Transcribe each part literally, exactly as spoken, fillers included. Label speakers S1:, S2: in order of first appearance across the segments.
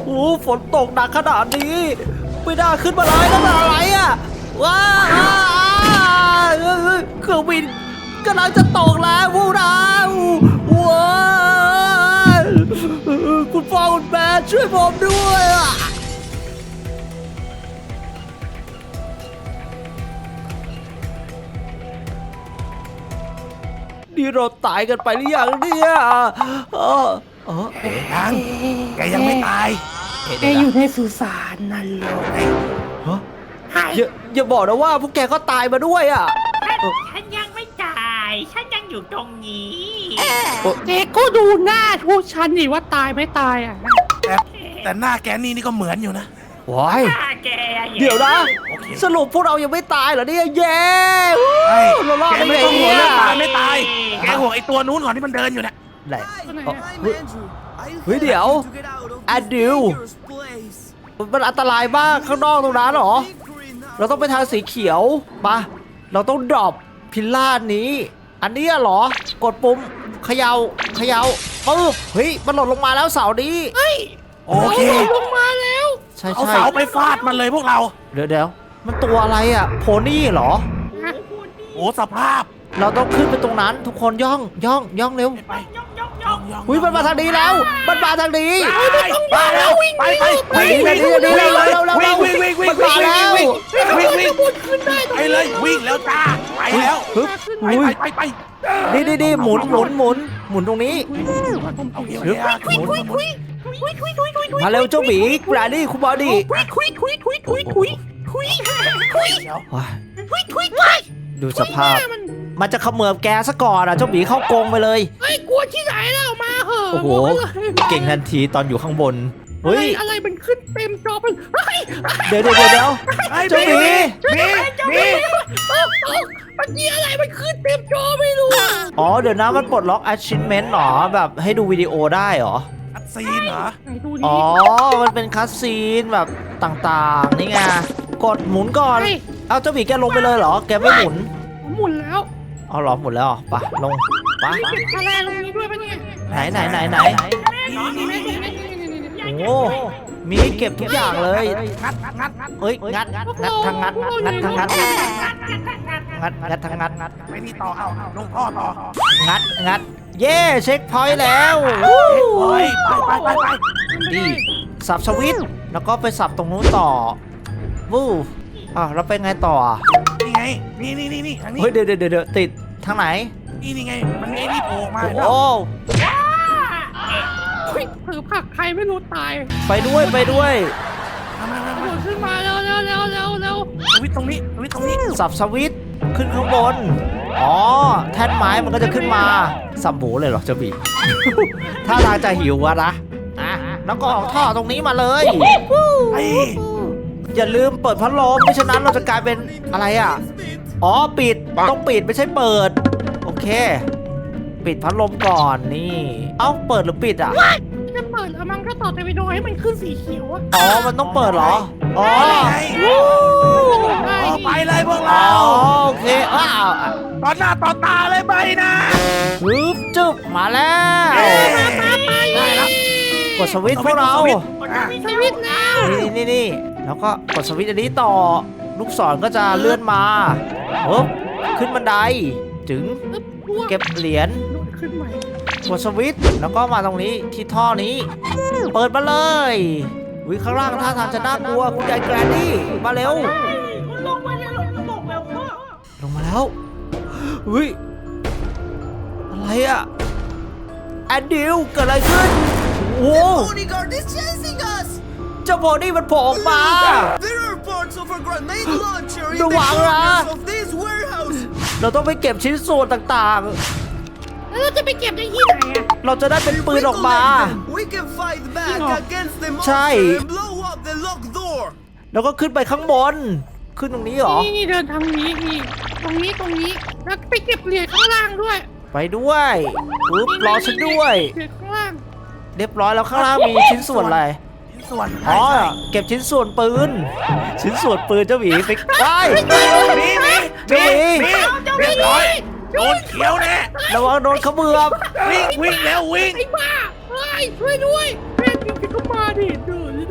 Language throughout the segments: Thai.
S1: โอ้ฝนตกหนักขนาดนี้ไม่น่าขึ้นมาเลยนั่นอะไรอ่ะว้าวเครื่องบินกำลังจะตกแล้วพวกเราว้าวคุณพ่อคุณแม่ช่วยผมด้วยอ่ะนี่เราตายกันไปหรือยังเนี่ยเออเออ
S2: เอ๊ะยังแกยังไม่ตาย
S3: แกอยู่ในสุสานนั่นเลย
S1: ฮะอย่าอย่าบอกนะว่าพวกแกก็ตายมาด้วยอ่ะ
S4: ฉันยังไม่ตาย ฉันยังอยู่ตรงนี้
S3: แกก็ดูหน้าพวกฉันนี่ว่าตายไม่ตายอ่ะ
S2: แต่แต่หน้าแกนี่นี่ก็เหมือนอยู่นะ
S1: ว้าย
S4: ฆ่าแกอะ
S1: เดี๋ยวนะ
S2: โอเค
S1: สรุปพวกเรายังไม่ตายเหรอเนี่ยเย้
S2: ใช่
S1: เรารอด
S2: แก
S1: ได้
S2: ไม่
S1: ไง
S2: ต้องห่ว
S1: เนี่
S2: ง
S1: ย
S2: เรื่องตายไม่ตาย แกห่วงไอ้ตัวนู้นก่อนที่มันเดินอยู่เนี่ย
S1: ไหน
S3: ตัวไหน
S1: เอ้า
S3: อะ
S1: เฮ้ย เฮ้ยเดี๋ยวอะดิว มันอันตรายมากข้างนอกตรงนั้นเหรอ เราต้องไปทางสีเขียวมาเราต้องดรอปพิลล่านี้ อันนี้เหรอ กดปุ่มเขยา่าเขย่าปึ๊บเฮ้ยมันหล่นลงมาแล้วเสานี้
S2: โอเค
S3: ลงมาแล้ว
S1: ใช่
S2: เอา
S1: ใช่
S2: เสาไปฟาดมันเลยพวกเรา
S1: เดี๋ยวเดี๋ยวมันตัวอะไรอ่ะโพนี่เหรอ
S2: โอ้สภาพ
S1: เราต้องขึ้นไปตรงนั้นทุกคนย่องย่องย่องเร็ว
S2: ไป
S4: ยกยกยก
S2: ย่อง
S1: อุ้ยมันมาทางนี้แล้ว มันมาทางนี้
S2: ไปไปแล้วไปไปวิ่งวิ่งวิ่งวิ่งวิ่งวิ่งวิ่งวิ่งวิ่ง
S1: มันมาแล้ว
S2: วิ่งวิ่งวิ่งไปเลยวิ่งแล้วจ้าไปแล้ว
S1: ฮึบ
S2: ไป
S1: อุ้ย
S2: ไปไป
S1: นี่นี่นี่หมุนหมุนหมุนหมุนตรงนี้
S2: โอเคโอเคหมุนหมุนหมุน
S1: มาเร็วเจ้าหมีแกรนี่คุณบอดี้
S3: คุยคุยคุยคุยคุยคุยคุย
S2: เดี๋ยว
S1: ว้าย
S3: คุยคุยคุย
S1: ดูสภาพ
S3: มัน
S1: มันจะเขมือบแกซะก่อนอ่ะเจ้าหมีเข้ากรงไปเลย
S3: เฮ้ยกลัวที่ไหนแล้วมาเหอะ
S1: โอ้โห เก่งทันทีตอนอยู่ข้างบน
S3: เฮ้
S1: เฮ้
S3: ย
S1: ย
S3: อะไรมันขึ้นเต็มจอมันเฮ้ย
S1: เดี๋ยวเดี๋ยวเดี๋ยวเดี๋ยว
S2: ไอ้
S1: เจ้าหมี
S2: มีมี
S3: เออเออมันมีอะไรมันขึ้นเต็มจอไม่รู้อะ
S1: อ๋อเดี๋ยวนะมันปลดล็อก achievement หรอแบบให้ดูวิดีโอได้เหรอ
S2: อัดซีนเหรอ
S3: ไหนดูดิ
S1: อ๋อ มันเป็นคัสซีนแบบต่างๆ นี่ไง กดหมุนก่อน เอาเจ้าหมีแกลงไปเลยเหรอ แกไม่หมุน
S3: ผมหมุนแล้ว
S1: เอาเหรอหมุนแล้วเหรอไปลงไป
S3: เก็บคะแนนตรงนี้ด้วยปะเนี่ย
S1: ไหนไหนไหนไหน
S3: นี่นี่นี่นี่นี่นี่
S1: โอ้มีให้เก็บทุกอย่างเลย
S2: งัดงัดงัด
S1: เอ้ย งัด งัดทางงัด งัดทางงัด งัด งัดทางงัด งัด
S2: ไปนี่ต่อเอาลงท่อต่อ
S1: งัด งัด เย่เช็คพอยต์แล้ว
S2: โอ้ยไปไปไปไป
S1: ดีสับสวิตช์แล้วก็ไปสับตรงนู้นต่อ วู้อ่ะแล้วไปไงต่ออ่ะ
S2: นี่ไงนี่นี่นี่นี่ทางนี้
S1: เฮ้ย เดี๋ยวเดี๋ยวเดี๋ยวติดทางไหน
S2: นี่นี่ไงมันมีไอ้นี่โผล่มา
S1: โอ้
S3: เฮ้ยเผือผักใครไม่รู้ตาย
S1: ไปด้วยไปด้วย
S2: มามา
S3: โด
S2: มา
S3: ดขึ้นมาเร็วเร็วเร็วเร็วเร็ว
S2: สวิตตรงนี้สวิตตรงนี้
S1: สับสวิตช์ขึ้นข้างบน อ๋อ แท่นไม้มันก็จะขึ้นมา สับหมูเลยเหรอเจ้าบี ถ้าทางจะหิวอะนะอ่ะแล้วก็ออกท่อตรงนี้มาเลย
S2: ไอ้
S1: อย่าลืมเปิดพัดลมไม่ฉะนั้นเราจะกลายเป็นอะไรอ่ะ อ๋อ ปิด ต้องปิดไม่ใช่เปิด โอเค ปิดพัดลมก่อนนี่ เอ้า เปิดหรือปิดอ่ะ
S3: จะเปิดแล้วมันก็ต่อเตวิโดให้มันขึ้นสีเขียวอะ
S1: อ๋อ มันต้องเปิดเหรอ อ๋อ
S2: ไอ้
S3: ได้
S2: ไปเลยพวก
S1: อ๋อ
S2: เรา
S1: โอเคอ้าว
S2: ต่อหน้าต่อตาเลยไปนะ
S1: ฮึบจึ๊บมาแล้ว
S2: เอ้ย
S3: ได้แล้ว
S1: กดสวิตช์พวกเรา
S2: อ่ะ
S3: สวิตช์แล้ว
S1: นี่นี่นี่แล้วก็กดสวิตช์อันนี้ต่อ ลูกศรก็จะเลื่อนมาปึ๊บขึ้นบันได ถึงเก็บเหรียญ
S3: ขึ้นใหม่
S1: กดสวิตช์แล้วก็มาตรงนี้ที่ท่อนี้ เปิดมาเลยวิข้างล่างท่าทางจะน่ากลัวคุณยายแกรนดี้มาเร็ว
S4: ลงมาแล้วลงลงแล้วพ่อ
S1: ลงมาแล้ววิอะไรอะแอนดิวเกิดอะไรขึ้นโอ้
S5: bodyguard is chasing us!
S1: เจ้าโบนี่มันโผล่ออกมา
S5: There are parts of a grenade launcher in the
S1: ระวังนะ
S5: corners of this warehouse!
S1: เราต้องไปเก็บชิ้นส่วนต่าง
S3: แล้วเราจะไปเก็บได้ที่ไหนอะ
S1: ๆ เราจะได้เป็นปืนออกมา
S5: We can fight back
S3: No.
S5: against the monster
S1: ใช่
S5: and blow up the locked door!
S1: แล้วก็ขึ้นไปข้างบน ขึ้นตรงนี้เหรอ
S3: นี่นี่เดินทางนี้นี่ตรงนี้ตรงนี้แล้วไปเก็บเหรียญข้างล่างด้วย
S1: ไปด้วยปึ๊บรอฉันด้วย
S3: เหรียญข้างล่าง
S1: เรียบร้อยแล้วข้างล่างมีชิ้นส่วนอะไร
S2: ชิ้นส่วน
S1: อ๋อ
S2: ใช่
S1: เก็บชิ้นส่วนปืน ชิ้นส่วนปืนเจ้าหมีไปไป
S2: มีมี
S1: เจ้าหมี
S2: มีเรียบร้อยโดนเขียวแน่
S1: ระวังโดนเขมือบ
S2: วิ่งวิ่งแล้ววิ่ง
S3: ไอ้บ้าเฮ้ยช่วยด้วยแม่จริงๆก็มาดิเดิน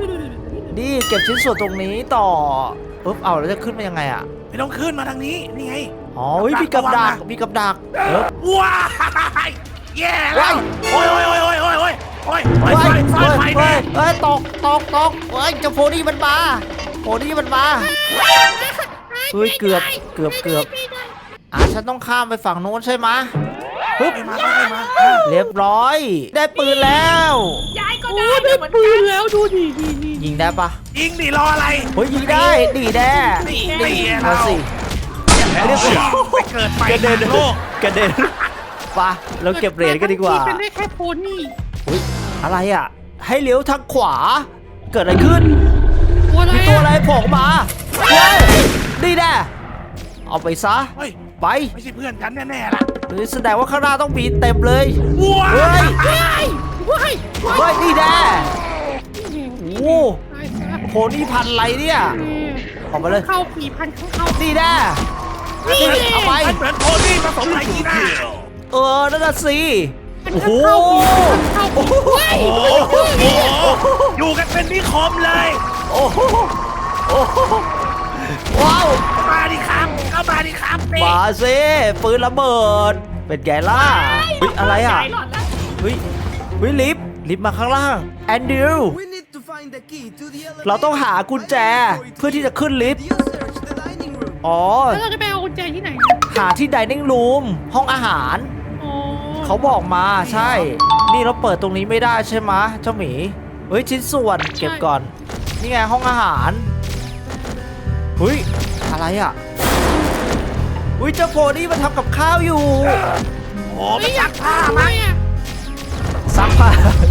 S1: นี่เก็บชิ้นส่วนตรงนี้ต่อปุ๊บเอาแล้วจะขึ้นมายังไงอ่ะ
S2: ไม่ต้องขึ้นมาทางนี้นี่ไง
S1: อ๋อเฮ้ยมีกับดักมีกับดักเออ
S2: ว้ายแย่แล้วโอ้ยโอ้ยโอ้ยโอ้ยโอ้ยโอ้ยโอ้ยไฟ
S1: เฮ้ย
S2: ไฟ
S1: เฮ้ย
S2: ไฟ
S1: เฮ้
S2: แน่
S1: ยเฮ้ยตกตกตกเฮ้ยเจ้าโพนี่มันมาโพนี่มันมาเฮ้ยเกือบเกือบเกือบอ่ะฉันต้องข้ามไปฝั่งโน้นใช่ไหมปึ๊บ
S2: ไปมาไปมา
S1: เรียบร้อย ได้ปืนแล้ว
S4: ยายก็
S3: โอ้
S4: ได้
S3: ได้
S4: เหมือน
S3: ปื
S4: กัน น
S3: แล้วดูดิดีดี
S1: ยิงได้ปะ
S2: ยิงดิรออะไร
S1: เฮ้ยยิงได้ดีแน่
S2: นี่นี่
S1: มา
S2: เรา
S1: สิ
S2: เรียบร้อยไปเกิดไป
S1: กระเด็น
S2: โลก
S1: กระเด็นปะเราเก็บเหรียญกันดีกว่า
S3: เป็นได้แค่โพนี่
S1: อุ๊ยอะไรอ่ะ ให้เลี้ยวทางขวา เกิดอะไรขึ้น
S3: ตัวอะไร
S1: มีตัวอะไรโผล่มาเฮ้ยนี่แน่เอาไปซะ
S2: เฮ้ย
S1: ไป
S2: ไม่ใช่เพื่อนกันแน่ๆล่ะ
S1: หรือแสดงว่าข้างหน้าต้องมีเต็มเลย
S2: ว้า
S1: เฮ้ย
S3: ว้ายว้าย
S1: เฮ้ยนี่แน่โอ้
S3: ตายซะ
S1: โหนี่พันอะไรเนี่ย ออกมาเลย
S3: เข้ากี่พันข้างเข้า
S1: นี่แน่
S3: นี่
S1: นี่เอาไป
S2: มันเหมือนโทนี่ผสมไทยกีน่า
S1: เออ นั่นน่ะสิ โอ้โห
S3: เข้ากี่ว้าย
S2: โอ้โหอยู่กันเป็นนิคมเลย
S1: โอ้โหโอ้โหว้าว
S2: มาดิครับเข้ามาดิครับนี่
S1: มาสิปืนระเบิด เป็นไงล่ะเฮ้ยอะไรอ่ะ
S4: ยายหลอดแล้ว
S1: เฮ้ยเฮ้ยลิฟต์ลิฟต์มาข้างล่าง แอนดิว
S5: We need to find the key to the elevator.
S1: เราต้องหากุญแจเพื่อที่จะขึ้นลิฟต์
S5: You search the dining room.
S1: อ๋อ
S3: แล้วเราจะไปเอากุญแจที่ไหน
S1: หาที่ dining room ห้องอาหาร
S3: อ๋อ
S1: เขาบอกมาใช่ นี่เราเปิดตรงนี้ไม่ได้ใช่ไหมะเจ้าหมี เฮ้ยชิ้นส่วนเก็บก่อน นี่ไงห้องอาหาร เฮ้ยอะไรอ่ะเฮ้ยเจ้าโพนี่มันทำกับข้าวอยู่
S2: โอ้ไปซักผ้า
S3: ทำไม
S2: มั้ง
S3: อ่ะ
S1: ซักผ้า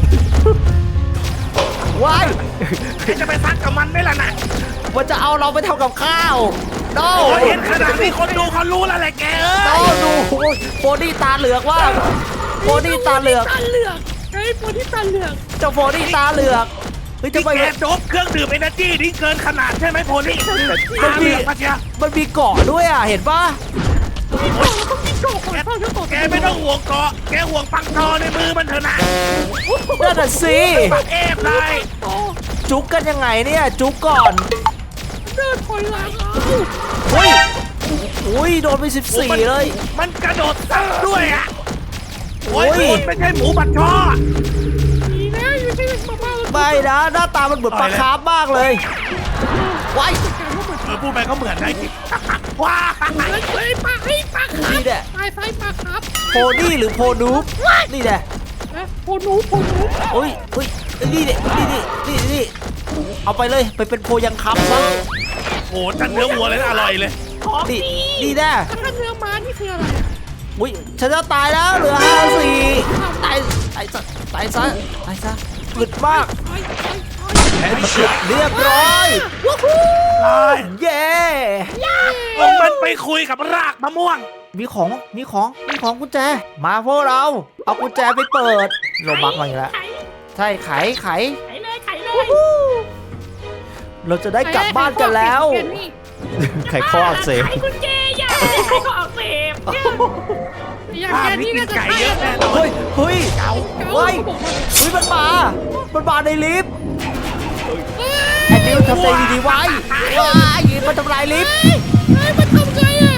S1: ว้าย
S2: จะไปซักกับมันไหมล่ะนะ
S1: มันจะเอาเราไปทำกับข้าวโน้
S2: โอ้ยเห็นขนาดนี้คนดูเขารู้แล้วแหละแกเอ้
S1: โน้
S2: ย
S1: ดูโพนี่ตาเหลือกว่าโพนี่ตาเหลือก
S3: ตาเหลือกไอ้โพนี่ตาเหลือก
S1: เจ้าโพนี่ตาเหลือกเฮ้ยจะ
S2: ที่
S1: ไป
S2: แกโดบเครื่องดื่มเอเนอร์จีนี่เกินขนาดใช่ไหมโพนี่
S1: มัน
S2: ตา
S1: มี
S2: เหลือกมาเชีย
S1: มันมีเกาะด้วยอ่ะเห็นปะ
S3: โจ้ก่อนเข้าเจ้าก่อน
S2: แกไม่ต้องห่วงเกาะแกห่วงปังทอในมือมันเถอะนะ
S1: นั่นน่ะสิ
S2: ปักเอฟเลย
S3: โอ้
S1: จุกกันยังไงเนี่ยจุกก่อน
S3: เดินถอยหลังเอา
S1: เฮ้ยอุ้ยโดนไปสิบสี่เลย
S2: มันกระโดดซัดด้วยอ่ะโอ้ย
S1: โอ้ย
S2: คุณไม่ใช่หมูบัดช่อ
S3: ดีนะอยู่ที่มาบ้า
S1: ไม่นะหน้าตามันเหมือนปลาคาร์ฟมากเลยว้าย
S2: เออพูดไปก็เหมือนได้จริงว้า
S3: เฮ้ยปลาเฮ้ยปลาครับ
S1: นี่แหละ
S3: ตายไฟปลาครับ
S1: โพนี่หรือโพนูปนี่แหละ
S3: นะโพนูโพนู
S1: โอ้ยโอ้ยนี่นี่นี่นี่นี่นี่เอาไปเลยไปเป็นโพยังคำซะ
S2: โอ้จันเนื้อวัวเลยนะอร่อยเลย
S1: นี่นี่แน่
S3: ถ้าเนื้อม้านี่คืออะไร
S1: อุ้ยฉันจะตายแล้วเหลือห้าสี่ตายตายซะตายซะตายซะอึดมาก
S3: ไอ้ไอ้ไอ้
S1: เรียบร้อย
S3: วู้ฮู้
S2: ตาย
S1: เย้
S2: ลงมันไปคุยกับรากมะม่วง
S1: มีของมีของมีของกุญแจ มาพวกเรา เอากุญแจไปเปิดโรบักมาอีกแล้ว
S4: ไข
S1: ใช่ไขไข
S4: ไขเลยไขเลย
S1: เราจะได้กลับบ้านกันแล้ว ไขข้ออักเสบ
S4: ไขกุญแจยายไขข้ออักเสบเนี่ย
S3: อย่าง
S2: บ้าน
S3: แก
S2: นี้
S3: นี่
S2: กิ
S3: น่าน จะ
S2: ไก่เยอะแน่นอน
S1: เฮ้ยเฮ้ย
S3: เก่า
S1: เฮ้ย
S3: บอกว่า
S1: เฮ้ยมันมามันมาในลิฟต์แอนดิวทำใจดีๆไว้ว้ายมันทำลายลิฟต์
S3: เฮ้ยมันทำไงอ่ะ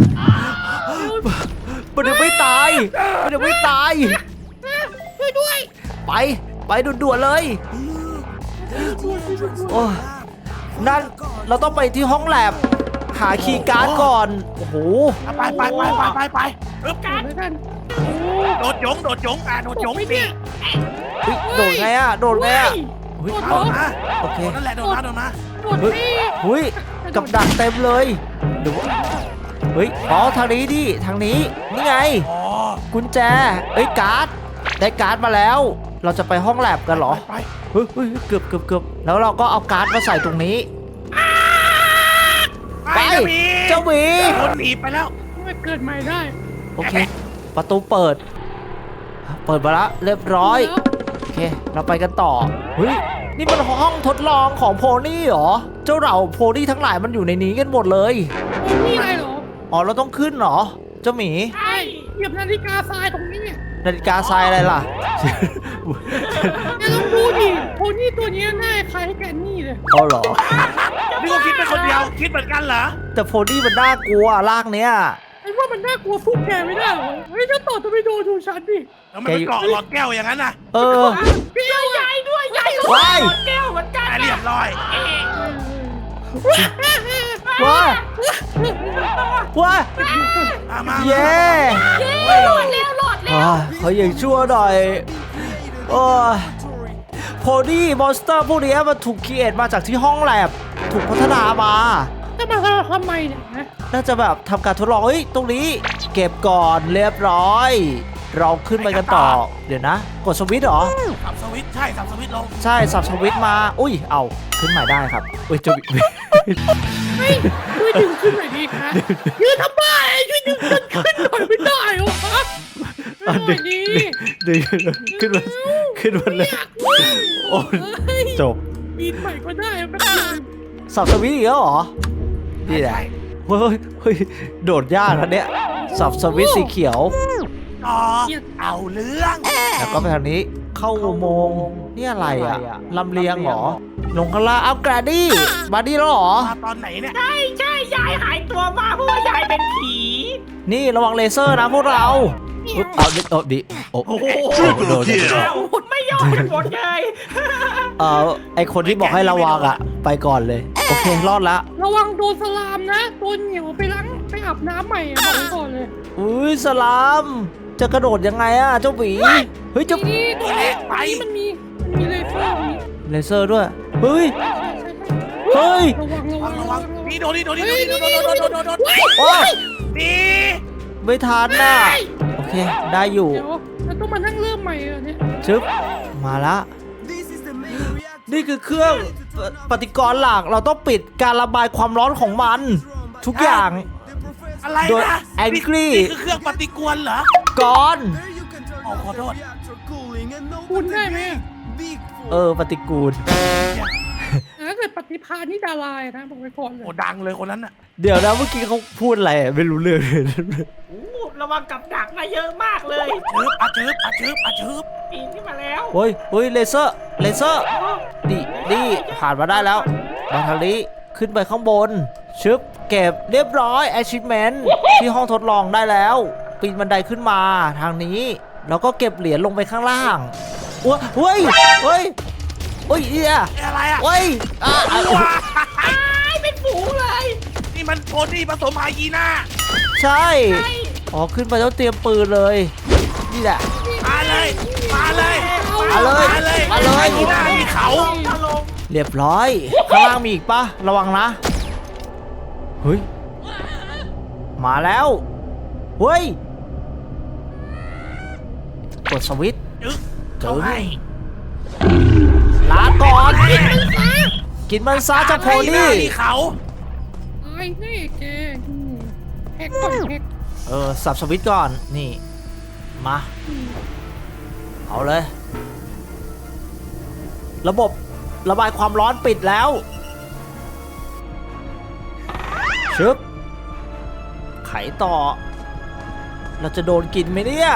S1: มันยังไม่ตายมันยังไม่ตาย
S3: ช่วยด้วย
S1: ไปไปด่วนๆเลยโอ้ยนั่นเราต้องไปที่ห้องแลบหาคีย์การ์ดก่อนโอ้โห
S2: ไปไปไปไปไปไปอึ๊บ
S3: กันแล้วกัน
S2: โดดยงโดดยงอ่ะโดดยง
S3: ไม่
S2: ดิ
S3: เนี่ย
S1: เฮ้ยโดดไงอะโดดไงอะ
S3: โดด
S2: โด
S3: โด
S2: ด
S3: ด
S2: มา
S1: โอเค
S2: นั่นแหละโดดมาโดดมา
S3: โดด
S1: เฮ้ย
S3: นี่
S1: เฮ้ยกับดักเต็มเลยเดี๋ยวเฮ้ยอ๋อทางนี้ดิทางนี้นี่ไง
S2: อ๋อ
S1: กุญแจเอ้ยการ์ดได้การ์ดมาแล้ว เราจะไปห้องแลบกันเหรอ
S2: ไป
S1: เฮ้ยเฮ้ยเกือบเกือบเกือบแล้วเราก็เอาการ์ดมาใส่ตรงนี้
S2: ไป
S1: ไป
S2: เจ้าหมี
S1: เจ้าหมี
S2: คนหนีไปแล้ว
S3: ไม่เกิดใหม่ได้
S1: โอเค ประตูเปิด เปิดมาแล้วเรียบร้อย โอเค เราไปกันต่อ เฮ้ย นี่มันห้องทดลองของโพนี่เหรอ เจ้าเหล่าโพนี่ทั้งหลายมันอยู่ในนี้กันหมดเลย
S3: นี่อะไรเหรอ
S1: อ๋อ เราต้องขึ้นเหรอ เจ้าหมี
S3: ใช่เหยียบนาฬิกาทรายตรงนี้เนี่ย
S1: นาฬิกาทรายอะไรล่ะ
S3: แกลองดูดิโพนี่นี่ตัวนี้หน้าคล้ายแกนนี่เลย
S1: เอาเหรอ
S2: นี่ก็คิดเป็นคนเดียวคิดเหมือนกันเหรอ
S1: แต่โพนี่มันน่ากลัวลากเนี้ย
S3: ไอ้ว่ามันน่ากลัวพวกแกไม่ได้หรอเฮ้ยเจ้าต่อจะไปโดนดูฉันดิ
S2: แล้วมันไปเกาะหลอดแก้วอย่างนั้นน่ะ
S1: เออ
S3: เปี้ยวใหญ่ด้วยใหญ่
S1: ว้าย
S4: แก้วเหมือนกัน
S2: แต่เรียบร้อย
S1: ว้าว้า
S2: มามา
S1: เย้
S4: หลอดแล้วหลอดแล้ว
S1: อ่าเขาอย่างชั่วหน่อยโอ้ยโพนี่มอนสเตอร์พวกนี้มันถูกครีเอทมาจากที่ห้องแลบถูกพัฒนามา
S3: จะมาทำไมเนี่ยนะ
S1: น่าจะแบบทำการทดลองเฮ้ยตรงนี้เก็บก่อนเรียบร้อย เราขึ้นไปกันต่อ เดี๋ยวนะ กดสวิตช์เหรอ
S2: สับสวิตช์ใช่สับสวิตช์ลง
S1: ใช่สับสวิตช์มา อุ้ย เอาขึ้นใหม่ได้ครับ อุ้ยจะ
S3: เฮ้ยช่วยดึงขึ้นหน่อยดิคะยืนทำไมช่วยดึงขึ้นขึ้นหน่อยไม่ได้เหรอครับ
S1: อ่ะ
S3: หน่
S1: ดึ
S3: อย
S1: ง
S3: ดิ
S1: ดึงขึ้นมาขึ้นมาเลย
S3: อยากว่า
S1: โอ้ย
S3: เฮ้ย
S1: จบ
S3: ปีนใหม่ก็ได้แป๊บนึง
S1: สับสวิตช์อีกแล้วเหรอ นี่แหละ เฮ้ยเฮ้ยโดดยากนะเนี่ย สับสวิตช์สีเขียว
S2: ต่อเอาเรื่อง
S1: แล้วก็ไปทางนี้ เข้าอุโมงค์นี่อะไรอ่ะ ลำเลียงเหรอ ลงข้างล่างเอาแกรดี้มาดีแล้วเหรอ
S2: มาตอนไหนเนี่ย
S4: ใช่ใช่ยายหายตัวมาเพราะว่ายายเป็นผี
S1: นี่ระวังเลเซอร์นะพวกเราอุ๊ยเอาดิเอาดิโอ้โหโดน
S4: อ้าวไม่ยอมหมดเลย
S1: เออไอคนที่บอกให้ระวังอ่ะ ไปก่อนเลย โอเค รอดละ
S3: ระวังโดนสลามนะโดนเหนียวไปล้างไปอาบน้ำใหม่อะบอกไว้ก่อนเลย
S1: อุ้ยสลาม จะกระโดดยังไงอ่ะ เจ้าหวีเฮ้ยเจ้า
S3: นี่ตรงนี้ตรงนี้มันมีมันมีเลเซอร์ตรงนี้
S1: เลเซอร์ด้วย เฮ้ย
S3: ใช่ใช่ใช่
S1: เฮ้ย
S3: ระวังระวัง
S2: ระ
S3: ระ
S2: วั
S3: วั
S2: ง
S3: ง
S2: นี่โดนนี่โดนนี่โดนนี่โดนโดนโดนโดนโดน
S1: โอ้ย
S2: นี่
S1: ไม่ทันน่ะ โอเค ได้อยู่
S3: เดี๋ยวเราต้องมานั่งเริ่มใหม่เหรอเนี่ย
S1: ชึบ มาละ
S5: This is the main reactor.
S1: นี่คือเครื่องปฏิกรณ์หลัก เราต้องปิดการระบายความร้อนของมัน ทุกอย่าง
S5: The professor.
S2: อะไร
S1: โดย
S2: นะ
S1: Angry
S2: นี่คือเครื่องปฏิกรณ์เหรอ
S1: ก่อน
S5: There you can turn
S2: Oh,
S5: off
S2: hold
S5: the
S2: on.
S5: reactor cooling and no
S3: คุณได้ไหม
S5: big
S1: เออ ปฏิกูล
S3: ถ้าเกิดปฏิภาณนี่ดารายนะบอกไว้ก่อนเลย
S2: โอ้ดังเลยคนนั้นน่ะ
S1: เดี๋ยวนะเมื่อกี้เขาพูดอะไรอะไม่รู้เรื่องเลย
S4: โอ้ระวังกับดักมาเยอะมากเลย
S2: ชืบอาชืบอาชืบอาชืบ
S4: ปีนขึ้นมาแล้ว
S1: เฮ้ยเฮ้ยเลเซอร์ เลเซอร์ นี่นี่ผ่านมาได้แล้ว มาทางนี้ ขึ้นไปข้างบน ชึบ เก็บเรียบร้อย achievement ที่ห้องทดลองได้แล้ว ปีนบันไดขึ้นมาทางนี้ แล้วก็เก็บเหรียญลงไปข้างล่างอ้วเฮ้ย เฮ้ยเฮ้ยเอีย
S2: อะไรอ่ะ
S1: เฮ้ยอ่ะอ่ะ
S2: ว้า
S4: ตายเป็นฝูงเลย
S2: นี่มันโพนี่ผสมไฮยีน่า
S1: ใช่ อ๋อ ขึ้นไปแล้วเตรียมปืนเลย นี่แหละ
S2: มาเลยมาเลย
S1: มาเลย
S2: มาเลย
S1: มาเลย
S2: ไฮยีน่ามีเขา
S4: ถล่ม
S1: เรียบร้อย ข้างล่างมีอีกปะระวังนะ เฮ้ย มาแล้ว เฮ้ย กดสวิตช์
S2: จึ๊กเขาให้
S1: ลาก่อน กินมันซะเจ้าโพ
S2: ไฮยีน่า
S1: นี่
S2: มีเขา
S3: ตายแน่แกอืมแฮกก่อนแฮก
S1: เออ สับสวิตช์ก่อน นี่ มา เอาเลย ระบบระบายความร้อนปิดแล้ว ชึบ ไขต่อ เราจะโดนกินไหมเนี่ย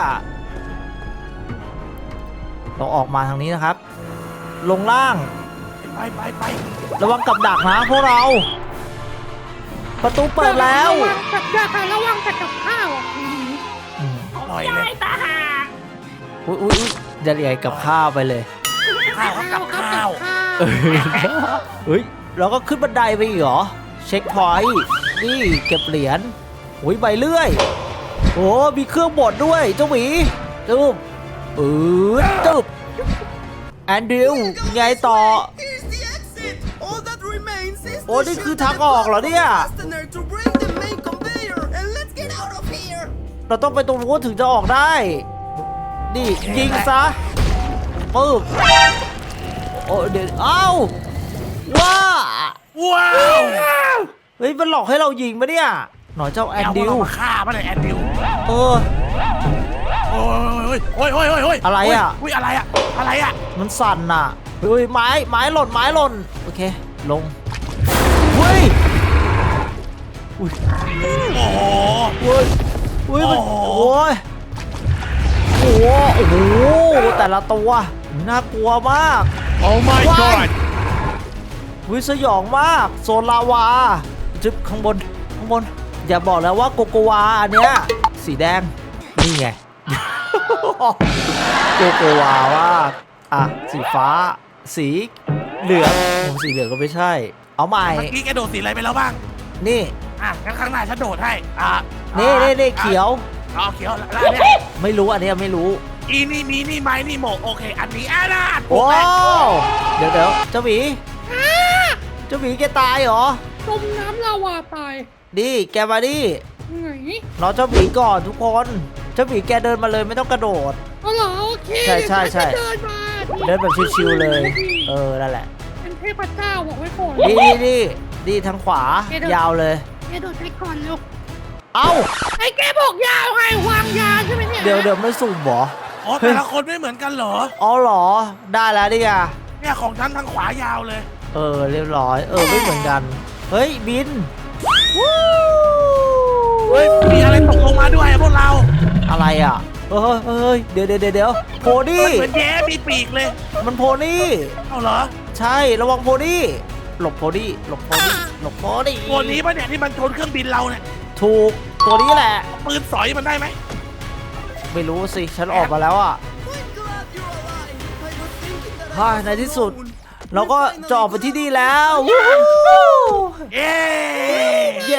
S1: เราออกมาทางนี้นะครับ ลงล่าง
S2: ไปไปไป
S1: ระวังกับดักนะพวกเรา ประตูเปิดแล้ว
S3: ระวังกับยาค่ะระวังแต่กับข้าวอ่ะอืม
S1: อืม
S2: ปล่อยเลย
S4: ยายตาหาก
S1: อุ้ยอุ้ยอุ๊ยจะเรียกกับข้าวไปเลย
S2: ข้าวกับข้าว
S1: เออเฮ้ย เราก็ขึ้นบันไดไปอีกเหรอ เช็คพอยต์นี่เก็บเหรียญโอ้ยใบเลื่อย โอ้มีเครื่องบดด้วย เจ้าหมีตึ๊บอืดตึ๊บแอนดิวไงต่อ
S5: Here's the exit. All that remains is
S1: โอ้
S5: to
S1: นี่คือ
S5: shoot
S1: ทาง
S5: the
S1: ออกเหรอเนี่ย
S5: fastener to break the main conveyor and let's get out of here.
S1: เราต้องไปตรงนู้นถึงจะออกได้ นี่ยิงซะปึ๊บโอ้เดี๋ยวเอ้าว้า
S2: ว้าว
S1: เฮ้ยมันหลอกให้เรายิงปะเนี่ย หน่อยเจ้าแอนดิว
S2: เอามาฆ่ามาเลยแอนดิว
S1: เออ
S2: โอ้ยโอ้ยโอ้ยโอ้ยโอ้ย
S1: อะไรอะ
S2: อุ้ยอะไรอะอะไรอะ
S1: มันสั่นน่ะเฮ้ยไม้ไม้หล่นไม้หล่นโอเคลงเฮ้ยอุ้ย
S2: โอ้โห
S1: เฮ้ยเฮ้ยมัน
S2: โอ้โห
S1: โอ้ยโอ้โหโอ้โหแต่ละตัวน่ากลัวมาก
S2: โอ้ my god
S1: วิสยองมากโซนลาวาจึ๊บข้างบนข้างบนอย่าบอกแล้วว่าโกโกวาอันเนี้ยสีแดงนี่ไง โกโกวาว่าอ่ะสีฟ้า สีเหลืองผมสีเหลืองก็ไม่ใช่ เอาใหม่
S2: เมื่อกี้แกโดดสีอะไรไปแล้วบ้าง
S1: นี่
S2: อ่ะงั้นข้างหน้าฉันโดดให้อ่ะ
S1: นี่นี่นี่เขียว
S2: อ๋อเขียวแล้วอันเนี่ย
S1: ไม่รู้อันเนี้ยไม่รู้
S2: อีนี่มีนี่ไม้นี่โหมกโอเค อันนี้อ่ะนะถู
S1: โอ้
S2: กแล้ว
S1: เดี๋ยวเดี๋ยวเจ้าหมีเจ้าหมีแกตายเหรอ
S3: จมน้ำลาวาตาย
S1: ดิแกมาดิ
S3: ไหน
S1: รอเจ้าหมีก่อนทุกคนเจ้าหมีแกเดินมาเลยไม่ต้องกระโดด
S3: เอาเหรอโอเค
S1: ใช่ใช่ใช่
S3: เดินมา
S1: เดินแบบชิวๆเลย เออนั่นแหละ
S3: เป็นเทพเจ้าบอกไว้ก่อน
S1: ดีดีดีดีทางขวา ยาวเลย
S3: แกโดดไปก่อนเร็ว
S1: เอ้า
S3: ไอ้แกบอกยาวไงวางยาใช่ไหมเนี่ย
S1: เดี๋ยวเดี๋ยวไม่สุ่มเหรอ
S2: อ๋อแต่ละคนไม่เหมือนกันเหรอ
S1: อ๋อเหรอ ได้แล้วดิอ่ะ
S2: เนี่ยของฉันทางขวายาวเลย
S1: เออเรียบร้อย เออไม่เหมือนกัน เฮ้ยบินวู้
S2: เฮ้ย มีอะไรตกลงมาด้วยอะพวกเรา
S1: อะไรอ่ะเฮ้ยเฮ้ยเดี๋ยวเดี๋ยวเดี๋ยวโพ
S2: มัน
S1: นี่
S2: เหมือนแย้มีปีกเลย
S1: มันโพนี่
S2: เอาเหรอ
S1: ใช่ระวังโพนี่หลบโพนี่หลบโพนี่หลบโพนี่
S2: ตัวนี้ปะเนี่ยที่มันชนเครื่องบินเราเนี่ย
S1: ถูกตัวนี้แหละ
S2: ปืนสอยมันได้ไหม
S1: ไม่รู้สิ ฉันออกมาแล้วอ่ะ
S5: Thank God you're alive. I was thinking that
S1: ฮ่า
S5: I was
S1: ในที่สุด
S5: alone.
S1: เราก็จะออกไปที่นี่แล้ววู้
S2: เย้
S1: เย้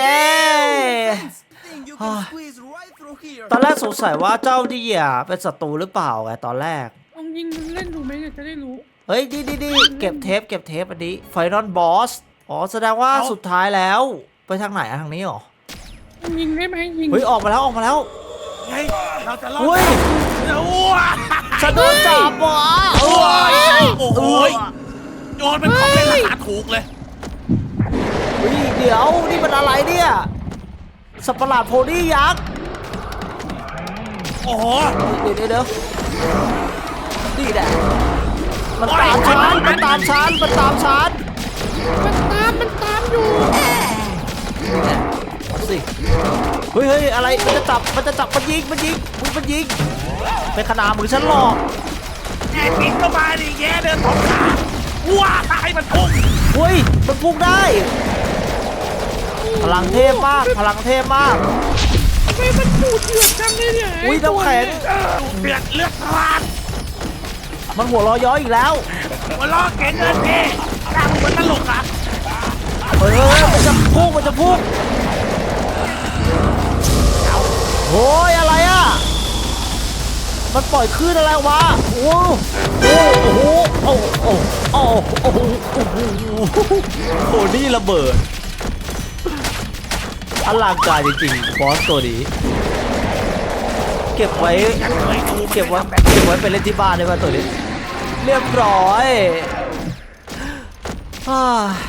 S5: Thing you can squeeze right through here.
S1: ตอนแรกสงสัยว่าเจ้าดีอ่ะเป็นศัตรูหรือเปล่าไงตอนแรก
S3: ลองยิงมันเล่นดูไหมเนี่ยจะได้รู้
S1: เฮ้ยดีดีดีเก็บเทปเก็บเทปอันนี้ไฟนอลบอสอ๋อแสดงว่าสุดท้ายแล้ว ไปทางไหนอะทางนี้เหรอ
S3: ลองยิงได้ไหมยิง
S1: เฮ้ยออกมาแล้วออกมาแล้ว
S2: ไงเราจะรอด
S1: เฮ้ย
S2: อ้ว
S1: ฉันโดนจับว่ะ
S2: โอ้ยโอ้โห
S1: เอ้ย
S2: โยนเป็นของเล่นราคาถูกเลย
S1: เฮ้ยเดี๋ยวนี่มันอะไรเนี่ยสัตว์ประหลาดโพนี่ยักษ์
S2: โอ้โห
S1: เดี๋ยวเดี๋ยวเดี๋ยวนี่แหละมันตามฉันมันตามฉันมันตามฉัน
S3: มันตามมันตามอยู่
S1: นี่แหละเอาสิเฮ้ยเฮ้ยอะไรมันจะจับมันจะจับมันยิงมันยิงมึงมันยิงเป็นขนาดมือฉันหลอก
S2: แย่ปีกก็มาดิแย่เดินสองขาว้าตายมันพุ่ง
S1: เฮ้ยมันพุ่งได้ พลังเทพมากพลังเทพมาก
S3: ทำไมมันดูเดือดจังเลยเนี่ย
S1: อุ้ยน้ำแข็ง
S2: เดือดเลือดพลาน
S1: มันหัวเร้อย้อยอีกแล้ว
S2: หัวล้อเก๋งเงินเก๋ดังเหมือนตลกอ่ะ
S1: เฮ้ยเฮ้ยมันจะพุ่งมันจะพุ่งโอ้ยอะไรอ่ะมันปล่อยคลื่นอะไรวะโอ้โอ้โอ้โหโอ้โอ้โอ้โอ้โหโอ้โหโอ้นี่ระเบิดอลังการจริงๆบอสตัวนี้เก็บไว้
S2: ยังเคยดู
S1: เก็บไว้เก็บไว้ไปเล่นที่บ้านได้ป่ะตัวนี้เรียบร้อยอ่า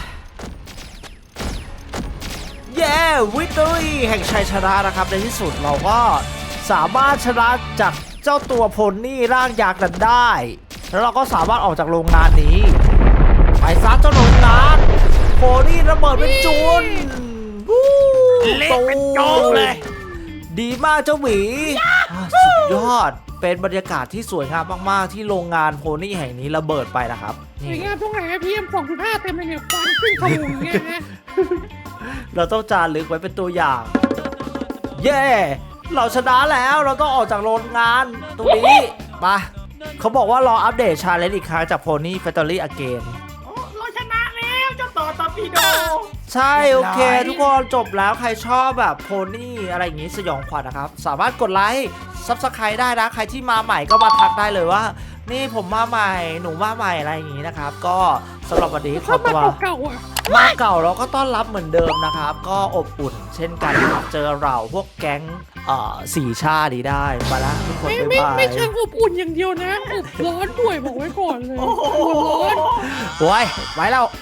S1: เย้วิตอรี่แห่งชัยชนะนะครับในที่สุดเราก็สามารถชนะจากเจ้าตัวโพนี่ร่างยักษ์นั้นได้ แล้วเราก็สามารถออกจากโรงงานนี้ไปซัดเจ้าโรงงานโพนี่ระเบิดเป็นจุนวู้
S2: เละเป็นโจ๊กเลย
S1: ดีมากเจ้าหมีอ่าสุดยอด เป็นบรรยากาศที่สวยงามมากๆ ที่โรงงานโพนี่แห่งนี้ระเบิดไปนะครับ
S3: สวย
S1: นี่
S3: งามตรงไหนอะพีเอ็มสองจุดห้าเต็มเลยเนี่ยควันขึ้นขโมงอย่างเงี้ยนะ
S1: เราต้องจารึกไว้เป็นตัวอย่าง เย้ เราชนะแล้วเราต้องออกจากโรงงานตรงนี้มาเขาบอกว่ารออัปเดตชาเลนจ์อีกครั้งจากโพนี่แฟคทอรี่อเกน
S4: โอ้เราชนะแล้วเจ้าต่อตอร์ปิโด
S1: ใช่โอเค ทุกคนจบแล้วใครชอบแบบโพนี่อะไรอย่างงี้สยองขวัญนะครับ สามารถกดไลค์ซับสไครต์ได้นะ ใครที่มาใหม่ก็มาทักได้เลยว่า นี่ผมมาใหม่หนูมาใหม่อะไรอย่างงี้นะครับ ก็สำหรับวันนี้ขอ
S3: เข้า
S1: ตัว
S3: มาเก่าๆอ่ะ
S1: มาเก่าเราก็ต้อนรับเหมือนเดิมนะครับ ก็อบอุ่น เช่นกันครับเจอเราพวกแก๊งเอ่อสี่ชาติได้มาละทุกคน
S3: ไม่
S1: บ๊าย
S3: ไม่
S1: บาย
S3: ไม่เชิงอบอุ่นอย่างเดียวนะอบร้อนด้วยบอกไว้ก่อนเลยอบร้อน
S1: โอ้ยไว้แล้ว